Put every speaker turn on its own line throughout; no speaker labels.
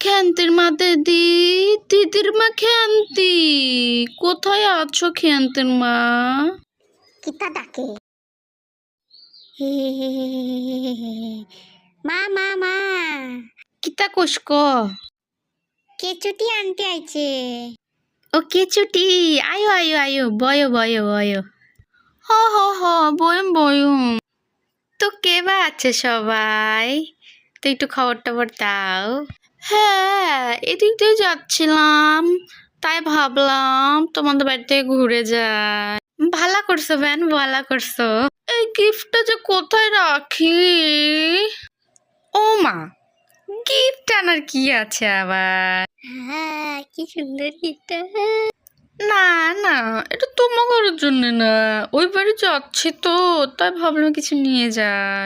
খেন্তির মা দিদি, দিদির মা খেন্তি, কোথায় আছো খেন্তির মা?
কিতা ডাকে? মা মা মা,
কিতা কোষ্ক?
কেচুটি আনতে আইছে।
ও কেচুটি, আয়ো আয়ো আয়ো, বয়ো বয়ো বয়ো। হ হ হ, বয়ম বয়ম। তো কে বা আছে সবাই? তো একটু খবর টবর দাও। হ্যাঁ, এদিক দিয়ে যাচ্ছিলাম, তাই ভাবলাম তোমাদের বাড়িতে ঘুরে যাই। ভালো করছো বেন, ভালো করছো। এই গিফটটা যে কোথায় রাখি? ও মা, গিফট আনার কি আছে আবার?
হ্যাঁ, কি সুন্দর গিফটটা।
না না, এটা তোমার জন্য না, ওই বাড়ি যাচ্ছি তো, তাই ভাবলাম কিছু নিয়ে যাই।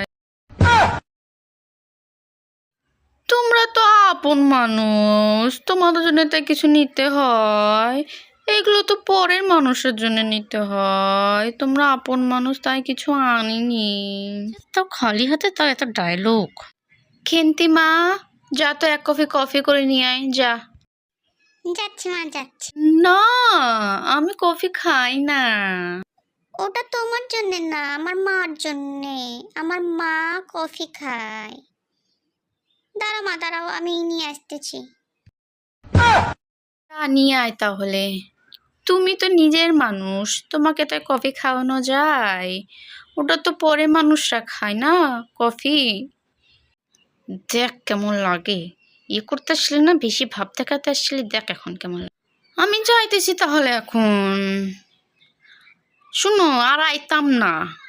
তোমরা তো আপন মানুষ, তোমাদের জন্য তাই কিছু নিতে হয়। এগুলো তো পরের মানুষের জন্য নিতে হয়, তোমরা আপন মানুষ তাই কিছু আনিনি। তো খালি হাতে তাও এত ডায়লগ। খেন্তি মা, যা তো এক কফি করে নিয়ে আয় যা।
যাচ্ছি মা, যাচ্ছি।
না, আমি কফি খাই না।
ওটা তোমার জন্য না, আমার মার জন্যে। আমার মা কফি খায়। দাঁড়াও মা, দাঁড়াও, আমি নিয়ে আসতেছি।
নিয়ে আয় তাহলে। তুমি তো নিজের মানুষ, তোমাকে তাই কফি খাওয়ানো যায়? ওটা তো পরে মানুষরা খায় না কফি। দেখ কেমন লাগে, ইয়ে করতে আসলে না, বেশি ভাব দেখাতে আসলে দেখ এখন কেমন লাগে। আমি যাইতেছি তাহলে এখন। শুনো, আর আইতাম না।